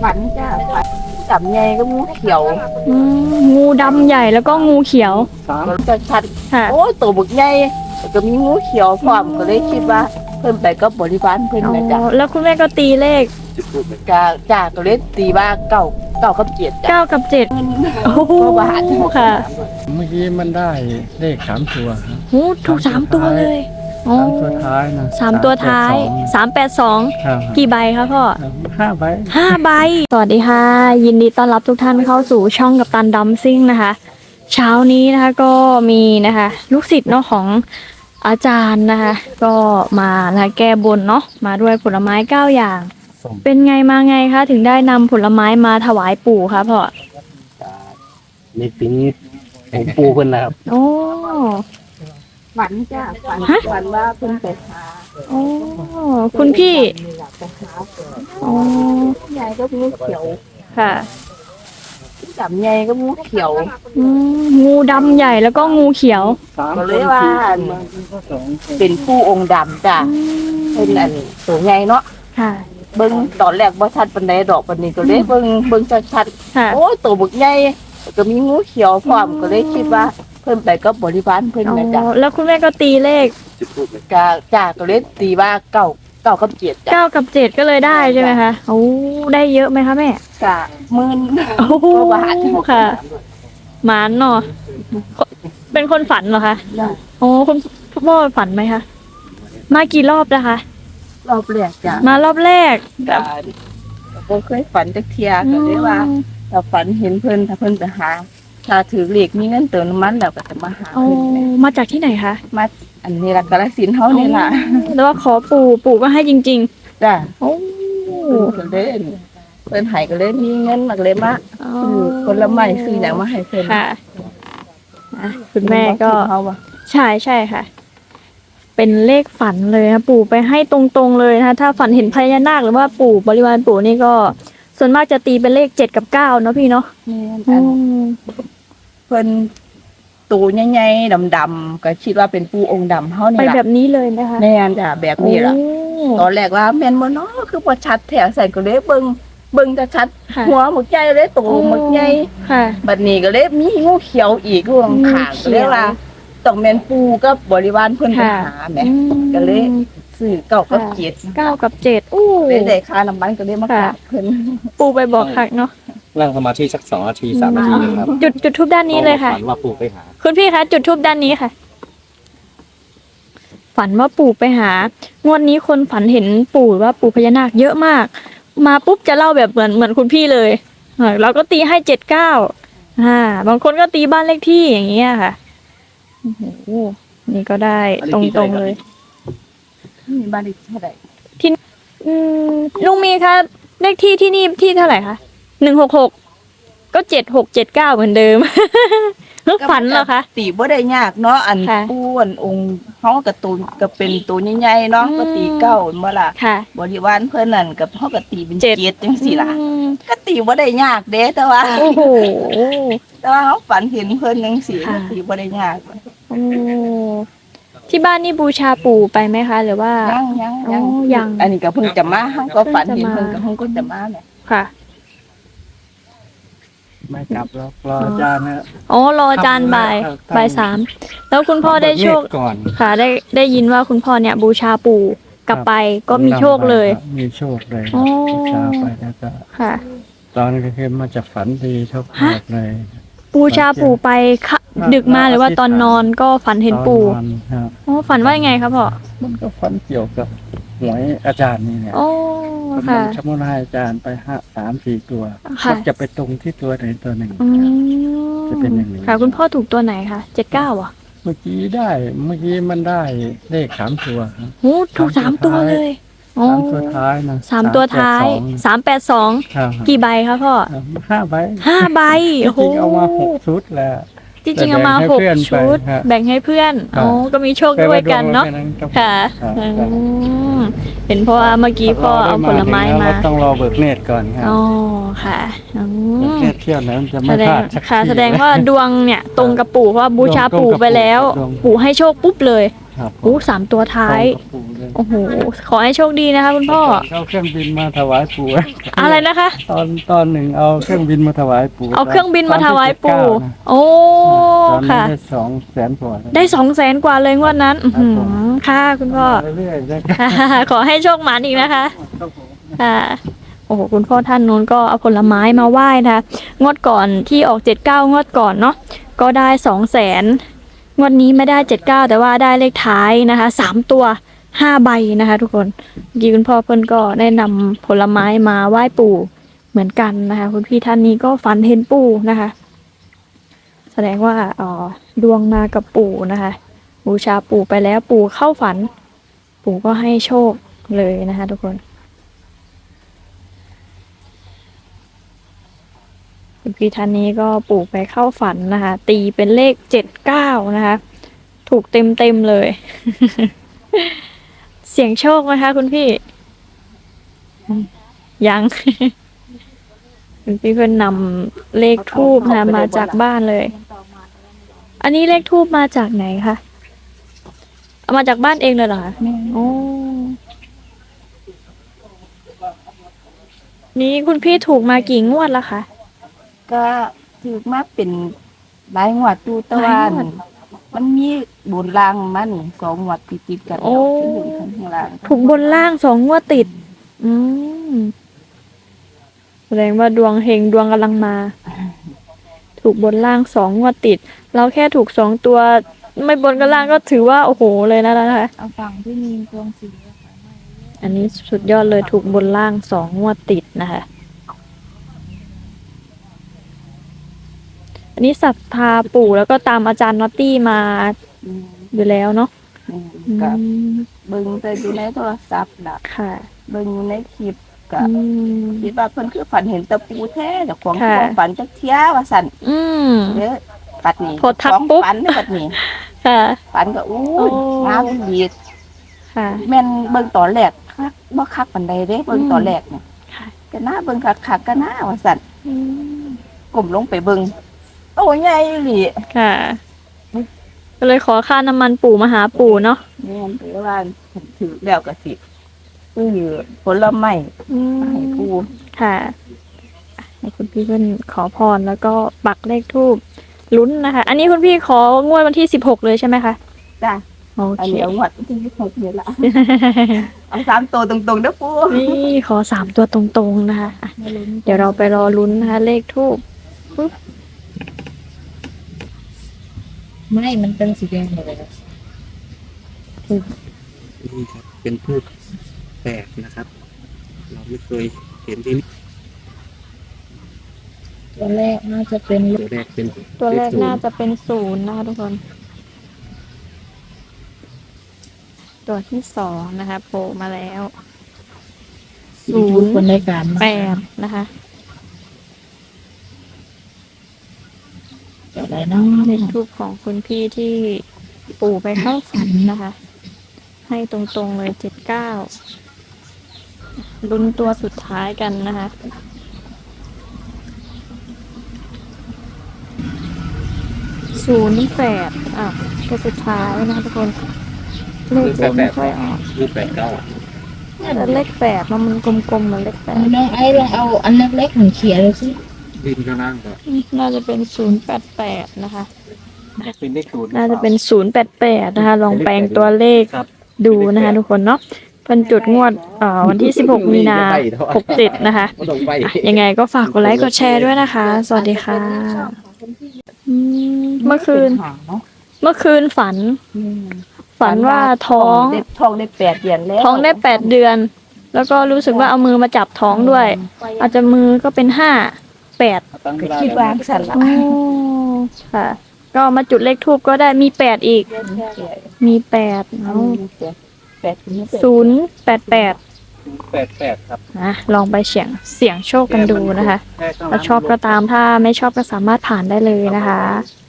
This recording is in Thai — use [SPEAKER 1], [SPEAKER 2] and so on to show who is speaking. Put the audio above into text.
[SPEAKER 1] ฝันจ้าฝันจับไงก็งูเขียว
[SPEAKER 2] งูดำใหญ่แล้วก็งูเขียว
[SPEAKER 1] ก็จะชัด
[SPEAKER 2] ค่ะ
[SPEAKER 1] โอ้ตัวบึกใหญ่ก็มีงูเขียวพร้อมก็เลยคิดว่าเพิ่นไปก็บริวารเพิ่นนะจ้ะ
[SPEAKER 2] แล้วคุณแม่ก็ตีเลข
[SPEAKER 1] จ้าก็เลยตีว่าเก้ากับเจ็ดจ้ะ
[SPEAKER 2] 9 กับ 7โอ้โหค่ะ
[SPEAKER 3] เมื่อกี้มันได้เลข3 ตัวครับ
[SPEAKER 2] โอ้ถูก3 ตัวเลย
[SPEAKER 3] 3 ตัวท้ายนะ
[SPEAKER 2] 3 ตัวท้าย382กี่ใบคะพ่อ
[SPEAKER 3] 5 ใบ
[SPEAKER 2] 5 ใบสวัสดีค่ะยินดีต้อนรับทุกท่านเข้าสู่ช่องกัปตันดัมซิ่งนะคะเช้านี้นะคะก็มีนะคะลูกศิษย์เนาะของอาจารย์นะคะก็มานะแก้บนเนาะมาด้วยผลไม้9 อย่างเป็นไงมาไงคะถึงได้นำผลไม้มาถวายปู่คะพ่อ
[SPEAKER 3] ในปีนี้ของปู่เพิ่นนะครับ
[SPEAKER 2] โอ้
[SPEAKER 1] ฝันจ้าฝันว่าเพิ่นไปหา
[SPEAKER 2] โอ้คุณพี่
[SPEAKER 1] โอ้ใหญ่ก็งูเขียว
[SPEAKER 2] ค่ะ
[SPEAKER 1] จับไงก็งูเขียว
[SPEAKER 2] งูดำใหญ่แล้วก็งูเขียว
[SPEAKER 1] ก็เลยว่าเป็นผู้องค์ดำจ้ะเป็นอันตัวใหญ่เนาะ
[SPEAKER 2] ค่ะ
[SPEAKER 1] เบิ่งตอนแรกบ่ชัดปานใดดอกปานนี้ก็เลยเบิ่งชัดๆโอ้ตัวบึกใหญ่ก็มีงูเขียวพร้อมก็เลยคิดว่าเพิ่นไปก็บริวารเพิ่นนะจ้ะ
[SPEAKER 2] แล้วคุณแม่ก็ตีเลข
[SPEAKER 1] จ้าก็เลยตีว่าเก้ากับเจ็ดจ้ะ
[SPEAKER 2] 9 กับ 7ก็เลยได้ใช่ไหมคะโอ้ได้เยอะไหมคะแม่
[SPEAKER 1] จ้ะ10,000
[SPEAKER 2] โอ้บาทค่ะหมานเนาะเป็นคนฝันเหรอคะโอ้คุณพ่อฝันไหมคะมากี่รอบแล้วคะ
[SPEAKER 1] รอบแรกจ้ะ
[SPEAKER 2] มารอบแรก
[SPEAKER 1] บ่เคยฝันจักเที่ยก็เลยว่าถ้าฝันเห็นเพิ่นถ้าเพิ่นไปหาถ้าถือเลขมีเงินเติมน้ำมันแล้วก็จะมาหาเพิ่น
[SPEAKER 2] มาจากที่ไหนคะ
[SPEAKER 1] มาอันนี้ล่ะกาฬสินธุ์เฮานี่ล่ะ
[SPEAKER 2] แล้วว่าขอปู่ก็ให้จริง
[SPEAKER 1] ๆจ้ะ
[SPEAKER 2] โอ้
[SPEAKER 1] ก็เลยเพิ่นให้ก็เลยมีเงินมาเลยมาซื้อผลไม้ซื้อหยังมาให้เพิ่น
[SPEAKER 2] ค่ะคุณแม่ก็ใช่ค่ะเป็นเลขฝันเลยนะปู่ไปให้ตรงๆเลยนะคะถ้าฝันเห็นพญานาคหรือว่าปู่บริวารปู่นี่ก็ส่วนมากจะตีเป็นเลข7 กับ 9เนาะพี่เนาะ
[SPEAKER 1] เพิ่นตัวใหญ่ๆดำๆก็คิดว่าเป็นปู่องค์ดำเฮานี่ล่ะ
[SPEAKER 2] ไปแบบนี้เลยนะคะ
[SPEAKER 1] แม่นจ้ะแบบนี้ล่ะตอนแรกว่าแม่นบ่เนาะคือบ่ชัดแท้ใส่ก็เลยเบิ่งจะชัดหัวหมึกใหญ่เลยตัวหมึกใหญ่
[SPEAKER 2] ค่ะ
[SPEAKER 1] บัดนี้ก็เลยมีงูเขียวอีกข้างข้างก็เลยว่าต้องแม่นปู่กับบริวารเพิ่นไปหาแหมก็เลยซื้อ9 กับ 7
[SPEAKER 2] 9 กับ 7อู้
[SPEAKER 1] ได้ค่าน้ำมันก็เลยมากราบเพิ่น
[SPEAKER 2] ปู่ไปบอกคักเนาะ
[SPEAKER 3] นั่งสมาธิสัก2 นาที3 นาทีนึงครับ
[SPEAKER 2] จุดธูปด้านนี้เลยค่ะ
[SPEAKER 3] ฝันว่าปู่ไปหา
[SPEAKER 2] คุณพี่คะจุดธูปด้านนี้ค่ะฝันว่าปู่ไปหางวดนี้คนฝันเห็นปู่ว่าปู่พญานาคเยอะมากมาปุ๊บจะเล่าแบบเหมือนคุณพี่เลยเราก็ตีให้79บางคนก็ตีบ้านเลขที่อย่างเงี้ยค่ะโอ้โหนี่ก็ได้ตรงๆเลย
[SPEAKER 1] มีบ้านเลขที่เท่าไหร่
[SPEAKER 2] ที่ลุงมีคะเลขที่นี่ที่เท่าไหร่คะ166ก็7679เหมือนเดิมฝันเหรอคะ
[SPEAKER 1] ตีบ่ได้ยากเนาะอันปู่อันองค์เฮาก็ตูนก็เป็นตัวใหญ่ๆเนาะก็ตี9บ่ล่ะบริวารเพิ่นนั่นก็เฮาก็ตีเป็น7จังซี่ล่ะก็ตีบ่ได้ยากเด้แต่ว่า
[SPEAKER 2] โอ้โห
[SPEAKER 1] แต่ว่าเฮาฝันเห็นเพิ่นจังซี่ก็ตีบ่ได้ยาก
[SPEAKER 2] โอ้ที่บ้านนี่บูชาปู่ไปไหมคะหรือว่า
[SPEAKER 1] ยังอันนี้ก็เพิ่งจะมาเฮาก็ฝันเห็นเพิ่นก็เฮาก็จะมาแหละ
[SPEAKER 2] ค่ะ
[SPEAKER 3] ไม่กลับแล้วรออาจารย์นะ
[SPEAKER 2] รออาจารย์บ่าย 3แล้วคุณพ่อได้โชคค่ะได้ยินว่าคุณพ่อเนี่ยบูชาปู่กลับไปก็มีโชคเลย
[SPEAKER 3] มีโชคเลยบูชาไปแล้วก็
[SPEAKER 2] ค่ะ
[SPEAKER 3] ตอนนี้ก็คือมาจากฝันดีโชคเลย
[SPEAKER 2] บูชาปู่ไปดึกมาหรือว่าตอนนอนก็ฝันเห็นปู่ฝันว่ายังไงครับพ่อ
[SPEAKER 3] มันก็ฝันเกี่ยวกับหวยอาจารย์นี่เนี่ย
[SPEAKER 2] ค่ะ
[SPEAKER 3] ชมุนให้อาจารย์ไป3-4 ตัวก็จะไปตรงที่ตัวไหนตัวหนึ่งจะเป็นอย่างนี้
[SPEAKER 2] ค่ะคุณพ่อถูกตัวไหนคะ79อ่ะ
[SPEAKER 3] เมื่อกี้มันได้เลข3 ตัว
[SPEAKER 2] โอ้ถูก3 ตัวเลย
[SPEAKER 3] 3 ตัวท้ายนะ
[SPEAKER 2] 3 ตัวท้าย382กี่ใบคะพ่อ
[SPEAKER 3] 5 ใบ
[SPEAKER 2] 5 ใบ
[SPEAKER 3] โอ้โหเอามา6 ชุดแล้ว
[SPEAKER 2] จริงๆเอามา6 ชุดแบ่งให้เพื่อนก็มีโชคด้วยกันเนาะค่ะเห็นเพราะว่าเมื่อกี้พ่อเอาผลไม้มา
[SPEAKER 3] ต้องรอเบิกเนตรก่อนครับ
[SPEAKER 2] ค่ะ
[SPEAKER 3] เนตรเที่ยวนั้นจะไม่พลาด
[SPEAKER 2] ค่ะแสดงว่าดวงเนี่ยตรงกับปู่เพราะบูชาปู่ไปแล้วปู่ให้โชคปุ๊บเลย
[SPEAKER 3] ครับ
[SPEAKER 2] โอ้3 ตัวท้าย
[SPEAKER 3] ตรงกับปู่เลย
[SPEAKER 2] โอ้โหขอให้โชคดีนะคะคุณพ่อ
[SPEAKER 3] เข้าเครื่องบินมาถวายปู่
[SPEAKER 2] อะไรนะคะ
[SPEAKER 3] ตอนหนึ่งเอาเครื่องบินมาถวายปู่
[SPEAKER 2] เอาเครื่องบินมาถวายปู่
[SPEAKER 3] ตอนที่79นะ
[SPEAKER 2] โอ้
[SPEAKER 3] ตอนนี้
[SPEAKER 2] ค่ะ
[SPEAKER 3] ได้200,000 กว่า
[SPEAKER 2] ได้200,000 กว่าเลยงวดนั้น
[SPEAKER 3] ครับผม
[SPEAKER 2] ค่ะคุณพ่อ
[SPEAKER 3] เรื่อยๆนะ
[SPEAKER 2] ขอให้โชคหมานอีกนะคะ
[SPEAKER 3] ครับผม
[SPEAKER 2] ค่ะโอ้โหคุณพ่อท่านนู้นก็เอาผลไม้มาไหว้นะคะงวดก่อนที่ออก79งวดก่อนเนาะก็ได้200,000งวดนี้ไม่ได้79แต่ว่าได้เลขท้ายนะคะ3 ตัว5 ใบนะคะ ทุกคนเมื่อกี้คุณพ่อเพิ่นก็ได้นำผลไม้มาไหว้ปู่เหมือนกันนะคะคุณพี่ท่านนี้ก็ฝันเห็นปู่นะคะ แสดงว่าดวงมากับปู่นะคะบูชาปู่ไปแล้วปู่เข้าฝัน ปู่ก็ให้โชคเลยนะคะทุกคนคุณพี่ท่านนี้ก็ปู่ไปเข้าฝันนะคะ ตีเป็นเลข79นะคะ ถูกเต็มเลย เสียงโชคไหมคะคุณพี่ ยัง คุณพี่เพิ่นนำเลขทูบนะมาจากบ้านเลย อันนี้เลขทูบมาจากไหนคะเอามาจากบ้านเองเลยเหรอคะ
[SPEAKER 1] แม่
[SPEAKER 2] โอ้นี่คุณพี่ถูกมากี่งวดแล้วคะ
[SPEAKER 1] ก็ถือมาเป็นหลายงวดดูแตะ
[SPEAKER 2] หลา
[SPEAKER 1] วั
[SPEAKER 2] ย
[SPEAKER 1] น
[SPEAKER 2] งวด
[SPEAKER 1] มันมีบุญรางมานี่2 งวดติดๆกัน
[SPEAKER 2] โอ้
[SPEAKER 1] แล้วขึ้นบนข้างล่าง
[SPEAKER 2] ถูกบนล่าง2 งวดติด อืมแสดงว่าดวงเฮงดวงกำลังมา ถูกบนล่าง2 งวดติด เราแค่ถูก2 ตัว ไม่บนกับล่างก็ถือว่าโอ้โหเลยนะคะ
[SPEAKER 1] เอาฟังที่มีดวงสี
[SPEAKER 2] อันนี้สุดยอดเลยถูกบนล่าง2 งวดติดนะคะ อันนี้ศรัทธาปู่แล้วก็ตามอาจารย์น็อตตี้มา
[SPEAKER 1] อืม
[SPEAKER 2] อยู่แล้วเนาะ
[SPEAKER 1] อืม
[SPEAKER 2] อื
[SPEAKER 1] ก็
[SPEAKER 2] ม
[SPEAKER 1] เบิ่งแต่อยู่ในโทรศัพท์ล่ะ
[SPEAKER 2] ค่ะ
[SPEAKER 1] เบิ่งอยู่ในคลิปก็
[SPEAKER 2] อืม
[SPEAKER 1] คิดว่าเพิ่นคือฝันเห็นตะปูแท้เจ้าของ
[SPEAKER 2] ค่ะ
[SPEAKER 1] บ่ฝันจักเที่ยว่าซั่น
[SPEAKER 2] อืม
[SPEAKER 1] เด้อปัดนี้
[SPEAKER 2] พอทัก
[SPEAKER 1] ของ
[SPEAKER 2] ปุ๊บ
[SPEAKER 1] ฝันเด้อปัดนี้
[SPEAKER 2] ค่ะ
[SPEAKER 1] ฝันก็อู้
[SPEAKER 2] โอ้
[SPEAKER 1] ยงามดี
[SPEAKER 2] ค่ะ
[SPEAKER 1] แม่นเบิ่งตอนแรกคักบ่คักปานใดเด้เบิ่งตอนแรกเนี่ย
[SPEAKER 2] ค่ะ
[SPEAKER 1] ก็น่าเบิ่งคักๆก็น่าว่าซั่น
[SPEAKER 2] อืม
[SPEAKER 1] ก้มลงไปเบิ่งโตใหญ่อีหลี
[SPEAKER 2] ค่ะ ก็เลยขอค่าน้ำมันปู่มาหาปู่เนาะ
[SPEAKER 1] แม่นไปว่าถือแล้วก็สิซื้อผลไม้
[SPEAKER 2] อื
[SPEAKER 1] มาให้
[SPEAKER 2] ม
[SPEAKER 1] ปู่
[SPEAKER 2] ค่ะให้คุณพี่เพิ่นขอพรแล้วก็ปักเลขทูบลุ้นนะคะ อันนี้คุณพี่ของวดวันที่16เลยใช่ไหมคะ
[SPEAKER 1] จ้ะ
[SPEAKER 2] โอ
[SPEAKER 1] อัน
[SPEAKER 2] เค
[SPEAKER 1] นี้เอางวดที่26นี่ล่ะเอา3ตัวตรงๆเด้อปู่
[SPEAKER 2] นี่ขอ3 ตัวตรงๆนะคะอ่ะเดี๋ยวเราไปรอลุ้นนะคะ เลขทูบ
[SPEAKER 4] ไม่มันเป็นสีแดงหมดเลยนะ
[SPEAKER 3] นี่ครับเป็นพืชแปลกนะครับ เราไม่เคยเห็นที่นี่
[SPEAKER 4] ตัวแรกน่าจะเป็น
[SPEAKER 3] ตัวแรกเป็น
[SPEAKER 2] ตัวแรก
[SPEAKER 3] เลข
[SPEAKER 2] น่าจะเป็น0นะคะทุกคน ตัวที่2นะคะโผล่มาแล้ว
[SPEAKER 4] ศูนย์คนในการมา
[SPEAKER 2] 8นะคะ
[SPEAKER 4] เกี่ยวอะไรเนาะ
[SPEAKER 2] เลขทูบของคุณพี่ที่ปู่ไปเข้าฝันนะคะ ให้ตรงๆเลย79ลุ้นตัวสุดท้ายกันนะคะ08ตัวสุดท้ายนะคะทุกคนเลขจะไม่ค่อยออก
[SPEAKER 3] คือ89
[SPEAKER 2] แต่เลข8มันกลมๆเหมือนเลข
[SPEAKER 4] น้องไอ้ลองเอาอันเล็กๆหนึ่งเขียนเลยสิ
[SPEAKER 3] ดินข้างล่างก็
[SPEAKER 2] 8น่าจะเป็น088นะคะ
[SPEAKER 3] เป็นเลขศูนย์
[SPEAKER 2] น่าจะเป็น088นะคะ ลองแปลงตัวเลข
[SPEAKER 3] ครับ
[SPEAKER 2] ดูนะคะทุกคนเนาะเพิ่นจุดงวดวันที่16 มีนา67นะคะ
[SPEAKER 3] ก็ต้องไป
[SPEAKER 2] ยังไงก็ฝากกดไลค์กดแชร์ด้วยนะคะ สวัสดีค่ะเมื่อคืน
[SPEAKER 1] หาเนาะ
[SPEAKER 2] เมื่อคืนฝัน ฝันว่าท้อง
[SPEAKER 1] ท้องได้8 เดือนแล้ว
[SPEAKER 2] ท้องได้8 เดือน แล้วก็รู้สึกว่าเอามือมาจับท้องด้วย อาจจะมือก็เป็น5 8
[SPEAKER 1] ก็คิดว่าสั่นละ
[SPEAKER 2] โอ้ค่ะ ก็มาจุดเลขทูบก็ได้มี8อีก มี8 088
[SPEAKER 3] ครับ
[SPEAKER 2] นะลองไปเสี่ยงโชคกันดูนะคะ ถ้าชอบก็ตามถ้าไม่ชอบก็สามารถผ่านได้เลยนะคะ